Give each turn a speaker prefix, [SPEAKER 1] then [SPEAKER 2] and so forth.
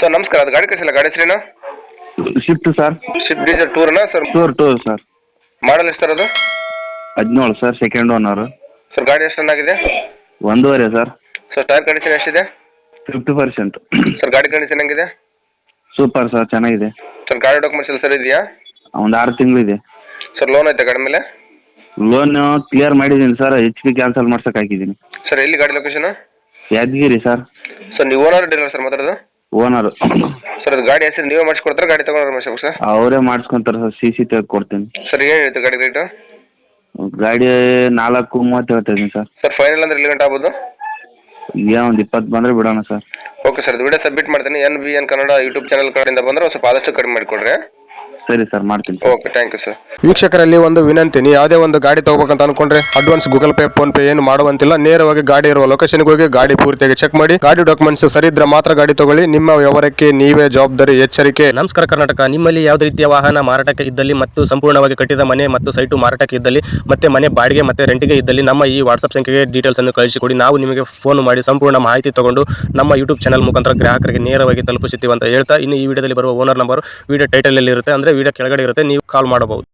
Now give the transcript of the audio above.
[SPEAKER 1] Sir ನಮಸ್ಕಾರ, ಅದು ಗಾಡಿ ಕಳಿಸಿಲ್ಲ, ಗಾಡಿ ಹೆಸರೇನು?
[SPEAKER 2] Shift sir.
[SPEAKER 1] ಸ್ವಿಫ್ಟ್ ಡೀಸೆಲ್ ಟೂರ್ನಾ ಸರ್?
[SPEAKER 2] Tour sir.
[SPEAKER 1] ಮಾಡಲ್ ಎಷ್ಟು ಸರ್ ಅದು?
[SPEAKER 2] 17 ಸರ್, ಸೆಕೆಂಡ್ ಓನರ್.
[SPEAKER 1] ಸರ್ ಗಾಡಿ ಎಷ್ಟು ರನ್ ಆಗಿದೆ?
[SPEAKER 2] 1.5 ಸರ್.
[SPEAKER 1] ಸರ್ ಟೈರ್ ಕಂಡೀಷನ್ ಎಷ್ಟಿದೆ?
[SPEAKER 2] 50%.
[SPEAKER 1] ಸರ್ ಗಾಡಿ ಕಂಡೀಷನ್ ಹೆಂಗಿದೆ?
[SPEAKER 2] ಸೂಪರ್ ಸರ್, ಚೆನ್ನಾಗಿದೆ.
[SPEAKER 1] ಸರ್ ಗಾಡಿ ಡಾಕ್ಯುಮೆಂಟ್ಸ್ ಎಲ್ಲ ಸರ್ ಇದೆಯಾ?
[SPEAKER 2] ಒಂದು 6 ತಿಂಗಳಿದೆ.
[SPEAKER 1] ಸರ್ ಲೋನ್ ಐತೆ ಗಾಡಿ ಮೇಲೆ?
[SPEAKER 2] ಲೋನ್ ಕ್ಲಿಯರ್ ಮಾಡಿದ್ದೀನಿ ಸರ್, HP ಕ್ಯಾನ್ಸಲ್ ಮಾಡ್ಸಕ್ಕೆ ಹಾಕಿದ್ದೀನಿ.
[SPEAKER 1] ಸರ್ ಎಲ್ಲಿ ಗಾಡಿ ಲೊಕೇಶನ್?
[SPEAKER 2] ಯಾದಗಿರಿ ಸರ್.
[SPEAKER 1] ಸರ್ ನೀವು ಓನರ್ ಡೀಲರ್ ಸರ್ ಮಾತಾಡೋದು?
[SPEAKER 2] ಓನರು.
[SPEAKER 1] ಸರ್ ಅದು ಗಾಡಿ ಹೆಸರು ನೀವೇ ಮಾಡಿಸ್ಕೊಡ್ತಾರೆ, ಗಾಡಿ ತೊಗೊಂಡ್ರೆ ಮಾಡಿಸ್ಬೇಕು ಸರ್?
[SPEAKER 2] ಅವರೇ ಮಾಡಿಸ್ಕೊಂತಾರೆ ಸರ್, CC ತೆಗೆದು ಕೊಡ್ತೀನಿ.
[SPEAKER 1] ಸರ್ ಏನು ಹೇಳ್ತೀವಿ ಗಾಡಿ ರೇಟು?
[SPEAKER 2] ಗಾಡಿ 4.30 ಹೇಳ್ತಾ ಇದ್ದೀನಿ ಸರ್.
[SPEAKER 1] ಸರ್ ಫೈನಲ್ ಅಂದ್ರೆ ಎಲ್ಲಿ ಗಂಟೆ ಆಗ್ಬೋದು?
[SPEAKER 2] ಏನೋ ಒಂದು 20 ಬಂದರೆ ಬಿಡೋಣ sir.
[SPEAKER 1] Okay sir, video submit ಮಾಡ್ತೀನಿ. NBN ಕನ್ನಡ ಯೂಟ್ಯೂಬ್ ಚಾನಲ್ ಕಡೆಯಿಂದ ಬಂದರೆ ಸ್ವಲ್ಪ ಆದಷ್ಟು ಕಡಿಮೆ ಮಾಡಿಕೊಡ್ರಿ.
[SPEAKER 2] ಸರಿ ಸರ್, ಮಾಡ್ತೀನಿ.
[SPEAKER 1] Okay, thank you sir.
[SPEAKER 3] ವೀಕ್ಷಕರಲ್ಲಿ ಒಂದು ವಿನಂತಿ, ನೀವು ಯಾವುದೇ ಒಂದು ಗಾಡಿ ತಗೋಬೇಕಂತ ಅನ್ಕೊಂಡ್ರೆ advance Google Pay PhonePe ಏನು ಮಾಡುವಂತಿಲ್ಲ. ನೇರವಾಗಿ ಗಾಡಿ ಇರುವ ಲೊಕೇಶನ್ಗೆ ಹೋಗಿ ಗಾಡಿ ಪೂರ್ತಿಯಾಗಿ ಚೆಕ್ ಮಾಡಿ, ಗಾಡಿ ಡಾಕ್ಯುಮೆಂಟ್ಸ್ ಸರಿ ಇದ್ರೆ ಮಾತ್ರ ಗಾಡಿ ತಗೊಳ್ಳಿ. ನಿಮ್ಮ ವ್ಯವಹಾರಕ್ಕೆ ನೀವೇ ಜವಾಬ್ದಾರಿ. ಎಚ್ಚರಿಕೆ.
[SPEAKER 4] ನಮಸ್ಕಾರ ಕರ್ನಾಟಕ. ನಿಮ್ಮಲ್ಲಿ ಯಾವುದೇ ರೀತಿಯ ವಾಹನ ಮಾರಾಟಕ್ಕೆ ಇದ್ದಲ್ಲಿ ಮತ್ತು ಸಂಪೂರ್ಣವಾಗಿ ಕಟ್ಟಿದ ಮನೆ ಮತ್ತು ಸೈಟು ಮಾರಾಟಕ್ಕೆ ಇದ್ದಲ್ಲಿ ಮತ್ತೆ ಮನೆ ಬಾಡಿಗೆ ಮತ್ತೆ ರೆಂಟಿಗೆ ಇದ್ದಲ್ಲಿ ನಮ್ಮ ಈ ವಾಟ್ಸ್ಆಪ್ ಸಂಖ್ಯೆಗೆ ಡೀಟೇಲ್ಸ್ ಅನ್ನು ಕಳಿಸಿಕೊಡಿ. ನಾವು ನಿಮಗೆ ಫೋನ್ ಮಾಡಿ ಸಂಪೂರ್ಣ ಮಾಹಿತಿ ತಗೊಂಡು ನಮ್ಮ ಯೂಟ್ಯೂಬ್ ಚಾನಲ್ ಮುಖಾಂತರ ಗ್ರಾಹಕರಿಗೆ ನೇರವಾಗಿ ತಲುಪಿಸುತ್ತೀವಿ ಅಂತ ಹೇಳ್ತಾ, ಇನ್ನು ಈ ವಿಡಿಯೋದಲ್ಲಿ ಬರುವ ಓನರ್ ನಂಬರ್ ವಿಡಿಯೋ ಟೈಟಲ್ ಅಲ್ಲಿ ಇರುತ್ತೆ, ಅಂದ್ರೆ ವಿಡಿಯೋ ಕೆಳಗಡೆ ಇರುತ್ತೆ, ನೀವು ಕಾಲ್ ಮಾಡಬಹುದು.